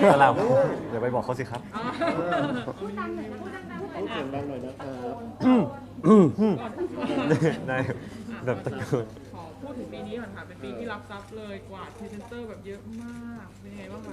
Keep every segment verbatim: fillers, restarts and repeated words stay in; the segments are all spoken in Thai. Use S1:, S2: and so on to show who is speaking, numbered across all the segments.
S1: สลับอย่าไปบอกเขาสิครับ
S2: พูดดังหน่อยนะพูดดังๆหน่อย
S3: พูด
S2: นะ
S3: เสียงดังหน่อยนะครับ
S1: ได้แบบตะโกน
S4: ขอพูดถึงปีนี้ก่อนค่ะเป็นปีที่รับทรัพย์เลยกว่าพรีเซนเตอร์แบบเยอะมากเป็นยังไงบ้างคะ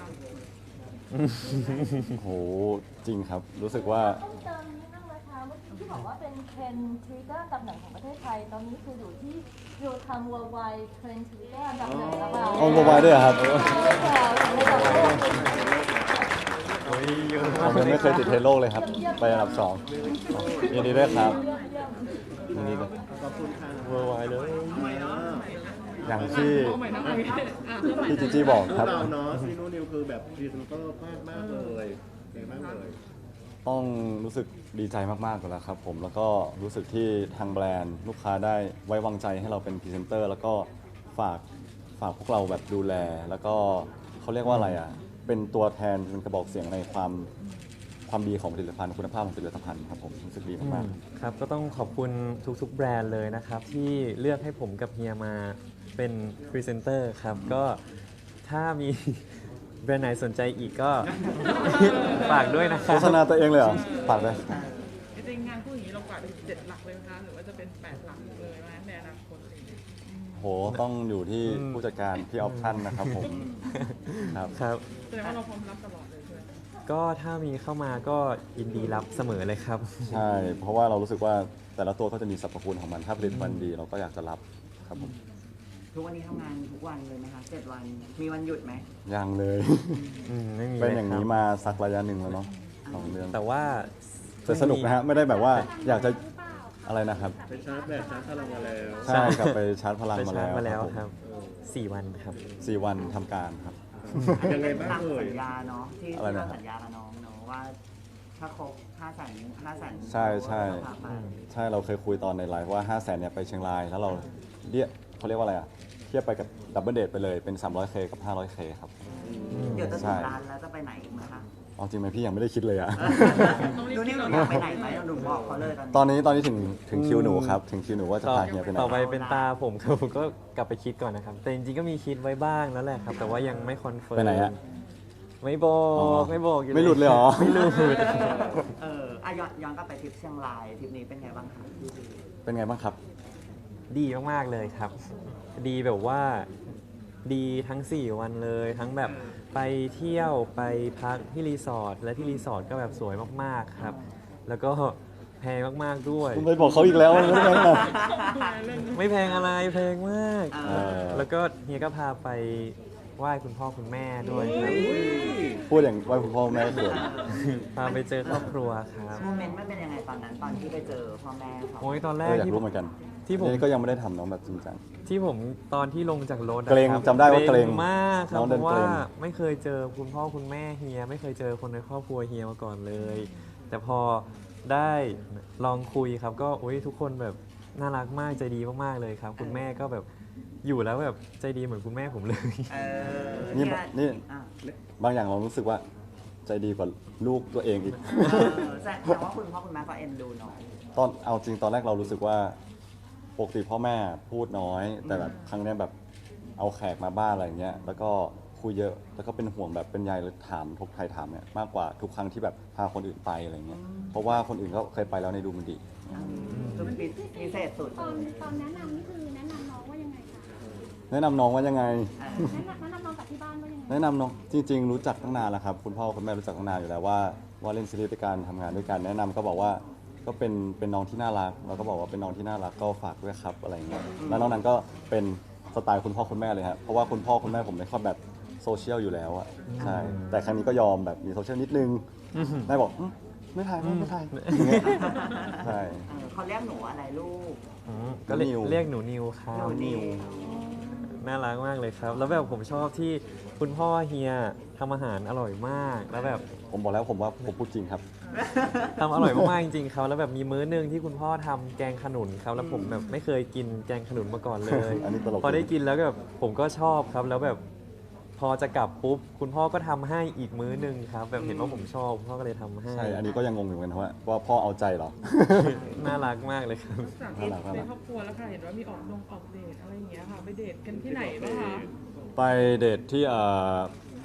S5: โหจริงครับ รู้สึกว่า
S6: ต้องเติมนิดนึงนะคะเมื่อกี้ที่บอกว่าเป็นเทรนด์ทวิตเตอร์อันดับหนึ่งของประเทศไทย ตอนนี้คืออยู่ที่อยู่ทำ worldwide เทรนด์ทวิตเตอร์อันดับหนึ่งแล้วค่ะ
S5: เอาโมบายด้วยเหรอครับ
S6: ใช่ค่ะในต่างประเทศ
S1: โอ้ยเยอะ
S5: ผมยังไม่เคยติดเทรนด์โลกเลยครับ ไปอันดับสองยินดีด้วยครับยินดีด้วย
S3: ขอบคุณค่ะ
S1: เวอร์ไวเลย
S5: อย่างที่
S4: เอาใหม่นะเอาใหม่อ่ะเริ่มใหม่
S5: พี่จีจี้บอก
S3: พว
S5: ครับ
S3: กเราเนาะซีโนนิวคือแบบพรีเซนเตอร์มากมากๆเลยเก่งมากเลย
S5: ต้องรู้สึกดีใจมากๆก่อนแล้วครับผมแล้วก็รู้สึกที่ทางแบรนด์ลูกค้าได้ไว้วางใจให้เราเป็นพรีเซนเตอร์แล้วก็ฝากฝากพวกเราแบบดูแล แล้วก็เขาเรียกว่าอะไรอ่ะเป็นตัวแทนเป็นกระบอกเสียงในความความดีของผลิตภัณฑ์คุณภาพของผลิตภัณฑ์ครับผมรู้สึกดีมากๆ
S1: ครับก็ต้องขอบคุณทุกๆแบรนด์เลยนะครับ ที่เลือกให้ผมกับเฮียมาเป็นพรีเซนเตอร์ครับ ก็ถ้ามี แบรนด์ไหนสนใจอีกก็ ฝากด้วยนะค
S5: โฆ
S1: รับ
S5: ษณาตัวเองเลยเหรอฝากเลย
S4: จริงๆงานพูดอย่างนี้เรากว่าถึงเจ็ดหลักเลยไหมคะหรือว่าจะเป็นแปดหลักเลยไหมในอนาคตอะไรอย่างเงี้ย
S5: โหต้องอยู่ที่
S1: อืม
S5: ผู้จัดการพี่ออฟชั่นนะครับผมครับ
S1: ครับ
S4: แสดงว่าเราพร้อมรับตลอดเลยใช่ไหม
S1: ก็ถ้ามีเข้ามาก็ยินดีรับเสมอเลยครับ
S5: ใช่ เพราะว่าเรารู้สึกว่าแต่ละตัวก็จะมีสรรพคุณของมัน ถ้าผลิตภัณฑ์ดีเราก็อยากจะรับครับผม
S7: ทุกวันนี้ทำงานทุกวันเลยไหมคะเจ็ดวัน มีวันหยุดไหม
S5: ยังเลย
S1: อืมไม่มี
S5: เป็น
S1: ล
S5: อย่าง
S1: ครั
S5: นี้
S1: บ
S5: มาสักระยะหนึ่งแล้วเนาะสองเดือน
S1: แต่ว่า
S5: แต่สนุกนะฮะ ไม่ได้แบบว่าอยากจะอะไรนะครับ
S3: ไปชาร์จแบตชาร์จพลังมาแล้ว
S5: ใช่กลับไปชาร์จพลัง
S1: ไป
S5: มา
S1: ชา
S5: แล้
S1: ร์จ
S5: ว
S1: มาแล้ว
S5: ผม
S1: ครับสี่วันครับ
S5: สี่วันทำการครับ
S3: ยังไงบ้าง
S7: ตาม
S3: เอ่ย
S7: สัญญาเนาะที่
S5: อะไร
S7: ที่
S5: นะ
S7: เราสัญญากับน้องเนาะว่าถ้าครบห้าแสนห้าแสน
S5: ใช่ใช่
S7: พาไป
S5: ใช่เราเคยคุยตอนในไลฟ์ว่า ห้าแสนเนี่ยไปเชียงราย แล้วเราเรียกเขาเรียกว่าอะไรอ่ะเทียบไปกับดับเบิลเดทไปเลยเป็น สามร้อยเค กับ ห้าร้อยเค ครับ
S7: เดี๋ยวจะ
S5: ใช่
S7: ถึงร้านแล้วจะไปไหนอีกไหมคะ
S5: เอาจริงไหมพี่ยังไม่ได้คิดเลยอะ
S7: ดูนี่หนูอยากไปไหนไหมหนูบอกเขาเลยต
S5: ต
S7: อ
S5: อน น
S7: นี้
S5: นี้ตอนนี้ถึงถึงคิวหนูครับ ถึงคิวหนูว่าจะ
S1: ต่อ
S5: พาเฮียไปไหน
S1: ต่อไปเป็นตาผมครับผมก็กลับไปคิดก่อนนะครับ แต่จริงๆก็มีคิดไว้บ้างแล้วแหละครับ แต่ว่ายังไม่คอนเฟิร์ม
S5: ไปไหนฮะ
S1: ไม่บอก
S5: อ๋อ
S1: ไม่บอกอยู่
S5: ไม่หลุดเลยเหรอ
S1: ไม่หลุด
S7: เอออ่ะย้อนย้อนกลับไปทริปเชียงรายทริปนี้เป็นไงบ้างคะ
S5: เป็นไงบ้างครับ
S1: ดีมากๆเลยครับ ดีแบบว่าดีทั้ง สี่ วันเลย ทั้งแบบไปเที่ยวไปพักที่รีสอร์ทและที่รีสอร์ทก็แบบสวยมากๆครับ แล้วก็แพงมากๆด้วย
S5: คุณไปบอกเขาอีกแล้วไม่ได้ไงล่ะ
S1: ไม่แพงอะไรแพงมาก
S7: เออ
S1: แล้วก็เฮียก็พาไปไหว้คุณพ่อคุณแม่ด้วยครับ
S5: พูดอย่างว่าคุณพ่อแม่เขิน
S1: พาไปเจอครอบครัวครับ
S7: โมเมนต์มันเป็นยังไงตอนนั้นตอนที่ไปเจอพ่อแม่เขา
S1: โอ้ยตอนแร
S5: เอก ออยาก
S1: ที่
S5: รู้เหมือนกัน
S1: ที่ผม
S5: นี่ก็ยังไม่ได้ทำเน้องแบบจริงจัง
S1: ที่ผมตอนที่ลงจากรถอะ
S5: เกรง
S1: ครับ
S5: จำได้ว่าเกรง
S1: มากครับ
S5: น้อง
S1: เพ
S5: เดิน
S1: ราะว่า
S5: เกรง
S1: ไม่เคยเจอคุณพ่อคุณแม่เฮีย ไม่เคยเจอคนในครอบครัวเฮียมาก่อนเลย แต่พอได้ลองคุยครับ ก็อุ้ยทุกคนแบบน่ารักมากใจดีมากๆเลยครับ คุณแม่ก็แบบอยู่แล้วแบบใจดีเหมือนคุณแม่ผมเลย
S7: เออ
S5: นี่
S7: เย
S5: นี่
S7: อ่ะ
S5: บางอย่างเรารู้สึกว่าใจดีกว่าลูกตัวเองอีก
S7: เออแสดงว่าคุณพ่อคุณแม่ก็เอ็นดูน้อง
S5: ตอนเอาจริงตอนแรกเรารู้สึกว่าปกติพ่อแม่พูดน้อย แต่แบบครั้งเนี้ยแบบเอาแขกมาบ้านอะไรเงี้ยแล้วก็คุยเยอะแล้วก็เป็นห่วงแบบเป็นใยเลยถามทุกไทยถามเนี่ยมากกว่าทุกครั้งที่แบบพาคนอื่นไปอะไรเงี้ยเพราะว่าคนอื่นก็เคยไปแล้วในดูมันดี
S7: คือพิพิเศษสุด
S2: ตอนตอนแนะนำนี่คือแนะนำน้องว่ายังไงคะ
S5: แนะนำน้องว่ายังไง
S7: เออ
S2: แนะนำแนะนำน้องกับที่บ้านว่ายังไง
S5: แนะนำน้องจริง ๆ รู้จักตั้งนานแล้วครับคุณพ่อคุณแม่รู้จักตั้งนานอยู่แล้วว่าว่าเล่นซีรีส์ด้วยกันทำงานด้วยกันแนะนำก็บอกว่าก็เป็นเป็นน้องที่น่ารักแล้วก็บอกว่าเป็นน้องที่น่ารักก็ฝากด้วยครับอะไรเงี้ยแล้วน้องนั้นก็เป็นสไตล์คุณพ่อคุณแม่เลยฮะเพราะว่าคุณพ่อคุณแม่ผมไม่ค่อยแบบโซเชียลอยู่แล้วอะใช่แต่ครั้งนี้ก็ยอมแบบมีโซเชียลนิดนึงแม่บอกอืมไม่ถ่ายไม่ไม่ถ่ายอย่างเงี้ยใช่
S7: เออเขาเรียกหนูอะไรลูก
S1: อืมก็เรียก
S5: นิว
S1: เรียกหนูนิวครับ
S7: หนูนิว
S1: น่ารักมากเลยครับ แล้วแบบผมชอบที่คุณพ่อเฮียทำอาหารอร่อยมาก แล้วแบบ
S5: ผมบอกแล้วผมว่าผมพูดจริงครับ
S1: ทำอร่อยมากๆจริงๆครับแล้วแบบมีมื้อหนึงที่คุณพ่อทำแกงขนุนครับแล้วผมแบบไม่เคยกินแกงขนุนมาก่อนเลย
S5: อันนี้ตลก
S1: พอได้กินแล้วก็แบบผมก็ชอบครับ แล้วแบบพอจะกลับปุ๊บคุณพ่อก็ทำให้อีกมื้อหนึงครับ แบบเห็นว่าผมชอบคุณพ่อก็เลยทำให้
S5: ใช่อันนี้ก็ยังงงอยู่เหมือนกันว่าว่าพ่อเอาใจเหรอ
S1: น่ารักมากเลยครับ
S4: จากที่ในครอบครัวแล้วค่ะเห็นว่ามีออกดงออกเดทอะไรอย่างเงี้ยค่ะไปเดทกันที่ไหนบ้างคะ
S5: ไปเดทที่เอ่อ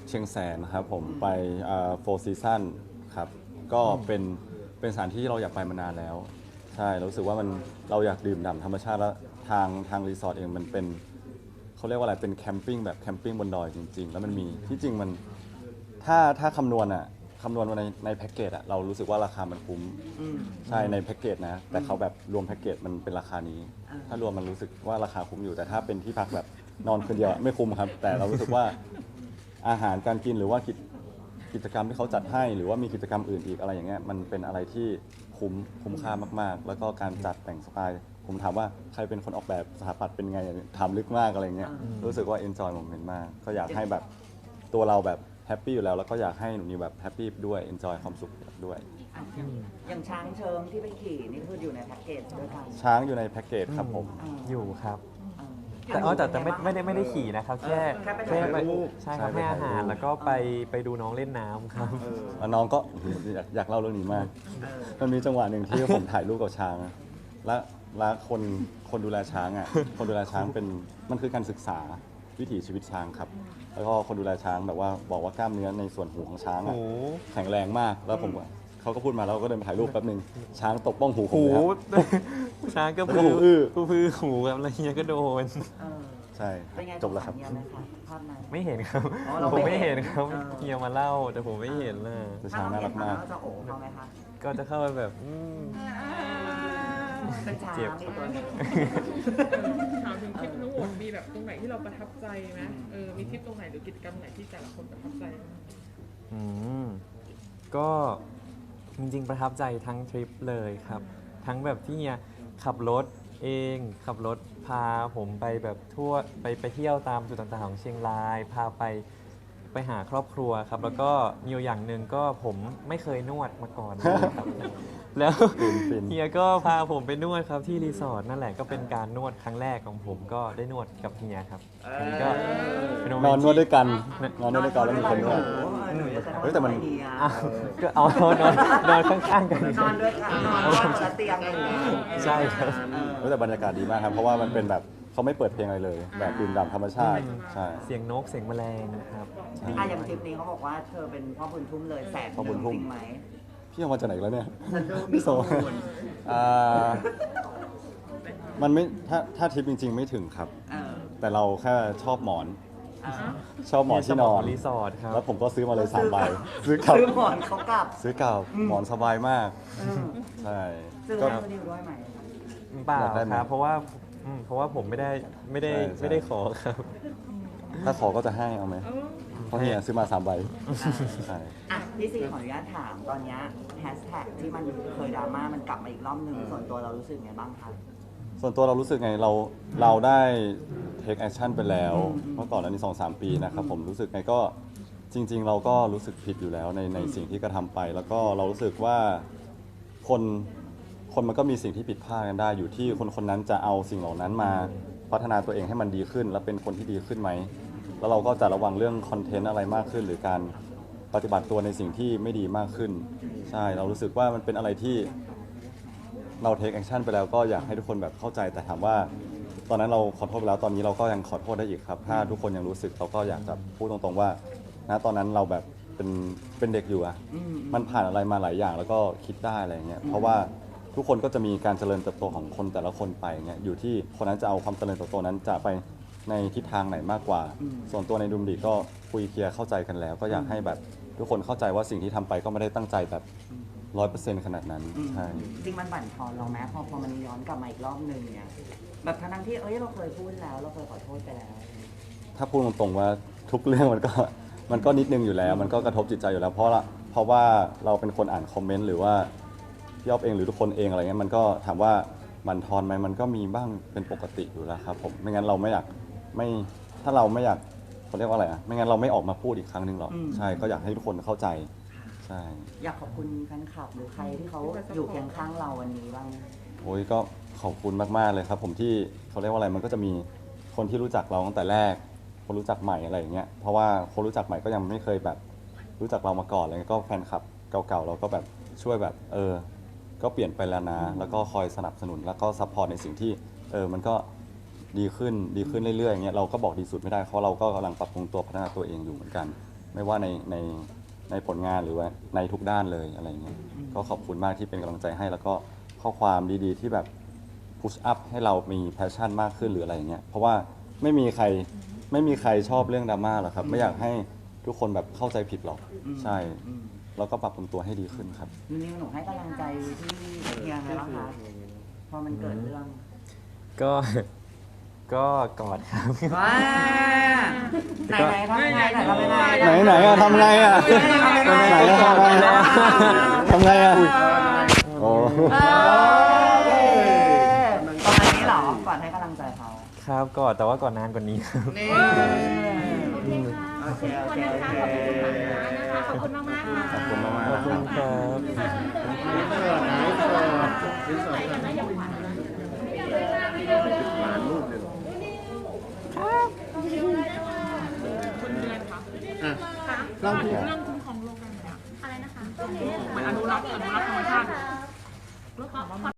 S5: เชียงแสนครับผมไปโฟร์ซีซั่นครับก็เป็นเป็นสถานที่ที่เราอยากไปมานานแล้วใช่เรารู้สึกว่ามันเราอยากดื่มด่ำธรรมชาติแล้วทางทางรีสอร์ทเองมันเป็นเขาเรียกว่าอะไรเป็นแคมปิ้งแบบแคมปิ้งบนดอยจริง ๆ แล้วมันมีที่จริงมันถ้าถ้าคำนวณอะคำนวณมาในในแพ็กเกจอะเรารู้สึกว่าราคามันคุ้ม
S7: อืม
S5: ใช่ในแพ็กเกจนะแต่เขาแบบรวมแพ็กเกจมันเป็นราคานี้
S7: อ่า
S5: ถ้ารวมมันรู้สึกว่าราคาคุ้มอยู่แต่ถ้าเป็นที่พักแบบนอนคืนเดียวไม่คุ้มครับ แต่เรารู้สึกว่าอาหารการกินหรือว่ากิจกิจกรรมที่เขาจัดให้หรือว่ามีกิจกรรมอื่นอีกอะไรอย่างเงี้ยมันเป็นอะไรที่คุ้มคุ้มค่ามากๆ แล้วก็การจัดแต่งสไตล์ผมถามว่าใครเป็นคนออกแบบสถาปัตย์เป็นไงถามลึกมากอะไรเงี้ยรู้สึกว่า enjoy moment มากก็อยากให้แบบตัวเราแบบแฮปปี้อยู่แล้วแล้วก็อยากให้หนูนิวแบบแฮปปี้ด้วย enjoy ความสุขด้วย
S7: อ่ะอย่างอย่างช้างเชิงที่ไปขี่นี่คืออยู่ในแพ็กเกจด้วยกัน
S5: ช้างอยู่ในแพ็กเกจครับผม
S1: อยู่ครับ
S7: เออ
S1: แต่อ๋อแต่แต่ไม่ไม่ได้ไม่ได้ขี่นะครับ แค่
S7: แค่ไป
S1: แค่
S7: ถ่าย
S1: ไป
S7: รูป
S1: ใช่ครับ
S5: ใช่ไป
S1: ให้อาหาร
S5: ถ่ายรูป
S1: แล้วก็ไปไปดูน้องเล่นน้ำครับ
S3: เออ
S5: แล้วน้องก็อยากอยากเล่าเรื่องนี้มาก
S7: เออ
S5: มันมีจังหวะหนึ่งที่ ผมถ่ายรูปกับช้าง และและคนคนดูแลช้างอ่ะ คนดูแลช้างเป็นมันคือการศึกษาวิถีชีวิตช้างครับ แล้วก็คนดูแลช้างแบบว่าบอกว่ากล้ามเนื้อในส่วนหูของช้างอ่ะ
S1: โอ้
S5: แข็งแรงมากแล้วผมก็เขาก็พูดมาแล้วก็เดินไปถ่ายรูปแป๊บหนึงช้างตบบ้องหูผม
S1: หู
S5: เลยครับ
S1: ช้างก็
S5: แล้วก็
S1: พื
S5: หูอื้อ
S1: ก็พือหูครับแล้วเฮียก็โดน
S7: เออ
S5: ใช่
S7: เป็นไง
S5: จบแล้วครับ
S7: สงสาเฮียไหมคะภาพนั้น
S1: ไม่เห็นครับ
S7: อ๋อเรา
S1: ผม
S7: ไม่
S1: ไม่
S7: เห็
S1: เห็
S7: น
S1: นครับ
S7: เออ
S1: เฮียมาเล่าแต่ผมไม่เห็นน่ะ
S5: แต่ช้างน่ารักมาก
S7: ถ้เรเห็นจะโอบเขาไหมคะ
S1: ก็จะเข้าไปแบบอืม
S7: เป็นช้าง
S1: เจ็บ
S7: มีตัวหนึง
S4: ถามถึงทริปทั้งหมดมีแบบตรงไหนที่เราประทับใจไหมเออมีทริปตรงไหนหรือกิจกรรมไหนที่แต่ละคนประทับใจไหม
S1: อืมก็จริงๆประทับใจทั้งทริปเลยครับ ทั้งแบบที่เฮียขับรถเองขับรถพาผมไปแบบทั่วไปไปเที่ยวตามจุดต่างๆของเชียงราย พาไปไปหาครอบครัวครับ แล้วก็มีอยู่อย่างหนึ่งก็ผมไม่เคยนวดมาก่อนเลยครับ แล้ว
S5: ฟินฟิน
S1: เฮียก็พาผมไปนวดครับที่รีสอร์ทนั่นแหละก็เป็นการนวดครั้งแรกของผมก็ได้นวดกับเฮียครับอันนี้ก็เป็นโม
S5: น
S1: เม
S5: อน
S1: ต์
S5: นวด
S1: ที่
S5: ด้วยกันนอนนวดด้วยกันแล้วมีคนนวด เฮ้ยแต่มัน
S1: อ้าวก็เอานอนนอนข้างๆกัน
S7: นอนด้วยกันนอนนอนคนละเตียงอะไรอย่างเงี้ย
S1: ใช่ครับ
S7: เออ
S5: เฮ้ยแต่บรรยากาศดีมากครับ เพราะว่ามันเป็นแบบเขาไม่เปิดเพลงอะไรเลย แบบดื่มด่ำธรรมชาติ ใช่
S1: เสียงนกเสียงแมลงครับ
S7: อ่ะอย่างทริปนี้เขาบอกว่าเธอเป็นพ่อบุญทุ่มเลยแสน
S5: พ่อบุญทุ่ม
S7: จริงไหม
S5: พี่เอามาจากไหนแล้วเนี่ย
S7: ฉันดูมี
S5: พี่โซ
S7: ข้อมูล
S5: อ่ามันไม่ถ้าถ้าทริปจริง ๆ ไม่ถึงครับ
S7: เออ
S5: แต่เราแค่ชอบหมอน
S7: เออ
S5: ชอบหมอนที่นอน
S1: รีสอร์ทครับ
S5: แล้วผมก็ซื้อมาเลยสามใบซื้อกลับ
S7: ซื้อหมอนเขากลับ
S5: ซื้อกลับหมอนสบายมาก
S7: เออ
S5: ใช่
S7: ซื้อ
S5: ก็
S7: ให้คนดิวด้วยไหม
S1: เปล่า
S5: อยากได้ไหม
S1: ครับ เพราะว่าอืมเพราะว่าผมไม่ได้ไม่ได้
S5: ใช่ใช่
S1: ไม่ได้ขอครับ
S5: ถ้าขอก็จะให้เอาไหม
S4: เออ
S5: เพราะเฮียซื้อมาสามใบใช่
S7: อ่ะพี่ซีขออนุญาตถามตอนเนี้แฮชแท็กที่มันเคยดราม่ามันกลับมาอีกรอบหนึ่งส่วนตัวเรารู้สึกไงบ้างคะ
S5: ส่วนตัวเรารู้สึกไงเราเราได้ take action ไปแล้วเมื่อก่อนอันนี้สองสามปีนะครับผมรู้สึกไงก็จริง ๆ เราก็รู้สึกผิดอยู่แล้วในในสิ่งที่กระทำไป แล้วก็เรารู้สึกว่าคนคนมันก็มีสิ่งที่ผิดพลาดกันได้ อยู่ที่คนคนนั้นจะเอาสิ่งเหล่านั้นมาพัฒนาตัวเองให้มันดีขึ้น และเป็นคนที่ดีขึ้นไหมแล้วเราก็จะระวังเรื่องคอนเทนต์อะไรมากขึ้น หรือการปฏิบัติตัวในสิ่งที่ไม่ดีมากขึ้นใช่เรารู้สึกว่ามันเป็นอะไรที่ เราเทคแอคชั่นไปแล้วก็อยากให้ทุกคนแบบเข้าใจแต่ถามว่า ตอนนั้นเราขอโทษไปแล้วตอนนี้เราก็ยังขอโทษได้อีกครับ ถ้าทุกคนยังรู้สึกเราก็อยากจะพูดตรงๆว่านะตอนนั้นเราแบบเป็นเป็นเด็กอยู่อะมันผ่านอะไรมาหลายอย่างแล้วก็คิดได้อะไรเงี้ยเพราะว่าทุกคนก็จะมีการเจริญเติบโตของคนแต่ละคนไปเงี้ยอยู่ที่คนนั้นจะเอาความเจริญเติบโตนั้นจะไปในทิศทางไหนมากกว่า ส่วนตัวในดุมดีก็คุยเคลียร์เข้าใจกันแล้ว ก็อยากให้แบบทุกคนเข้าใจว่าสิ่งที่ทำไปก็ไม่ได้ตั้งใจแบบร้อยเปอร์เซ็นต์ขนาดนั้นใช่
S7: จริงมันบั่นทอนเราไหมพอพอมันย้อนกลับมาอีกรอบหนึ่งเนี่ยแบบทั้งๆที่เอ้ยเราเคยพูดแล้วเราเคยขอโทษไปแล้ว
S5: ถ้าพูดตรงๆว่าทุกเรื่องมันก็ มันก็นิดนึงอยู่แล้ว มันก็กระทบจิตใจอยู่แล้ว เพราะละเพราะว่าเราเป็นคนอ่านคอมเมนต์หรือว่าพี่อ๊อฟเองหรือทุกคนเองอะไรเงี้ยมันก็ถามว่าบั่นทอนไหมมันก็มีบ้างเป็นปกติอยู่แล้วครับผมไม่งั้นเราไม่อยากไม่ถ้าเราไม่อยากเขาเรียกว่าอะไรอ่ะไม่งั้นเราไม่ออกมาพูดอีกครั้งหนึ่งหรอก
S7: อืม
S5: ใช่ก็อยากให้ทุกคนเข้าใจใช่
S7: อยากขอบคุณแฟนคลับหรือใครที่เขาอยู่เคียงข้างเราวันนี้บ้าง
S5: โอ้ยก็ขอบคุณมากๆเลยครับ ผมที่เขาเรียกว่าอะไรมันก็จะมีคนที่รู้จักเราตั้งแต่แรก คนรู้จักใหม่อะไรอย่างเงี้ยเพราะว่าคนรู้จักใหม่ก็ยังไม่เคยแบบรู้จักเรามาก่อนอะไรเงี้ยก็แฟนคลับเก่าๆเราก็แบบช่วยแบบเออก็เปลี่ยนไปแล้วนะแล้วก็คอยสนับสนุนแล้วก็ซัพพอร์ตในสิ่งที่เออมันก็ดีขึ้นดีขึ้นเรื่อยๆอย่างเงี้ยเราก็บอกดีสุดไม่ได้เพราะเราก็กำลังปรับปรุงตัวพัฒนาตัวเองอยู่เหมือนกันไม่ว่าในในในผลงานหรือว่าในทุกด้านเลยอะไรเงี้ยก็ขอบคุณมากที่เป็นกำลังใจให้แล้วก็ข้อความดีๆที่แบบพุชอัพให้เรามีแพชชั่นมากขึ้นหรืออะไรอย่างเงี้ยเพราะว่าไม่มีใครไม่มีใครชอบเรื่องดราม่าหรอกครับไม่อยากให้ทุกคนแบบเข้าใจผิดหรอกใช่แล้วก็ปรับปรุงตัวให้ดีขึ้นครับ
S7: นิวหนูให้กำลังใจที่เฮียไงบ้างคะพอมันเกิดเรื่อง
S1: ก็ ก็กอดครับ
S7: ว้าไหนไหนทำไงไหนทำยังไง
S5: ไหนไหนอะทำไงอะไหนอะทำไงอะทำไงอะโอ้
S7: ตอนนี้เหรอก่อนให้กำลังใจเขา
S1: ครับกอดแต่ว่าก่อนนานกว่านี้ครับ
S7: นี่
S2: โอเคค่ะขอบคุณทุกคนนะคะขอบคุณมากๆค่ะ
S5: ขอบคุณมาก
S1: ขอบคุณครับ
S3: อินเสิร์ตนะอินเสิร์ตอินเสิร์ตอินเสิร์ตหลานรูปเลยเหรอ
S4: คุณเดือนคะ
S3: อ่ะเราพูด
S4: เรื่องคุ้มครองโลกได้ไหมอะ
S2: อะไรนะคะ
S4: เหมือนอนุรักษ์อนุรักษ์ธรรมชาติ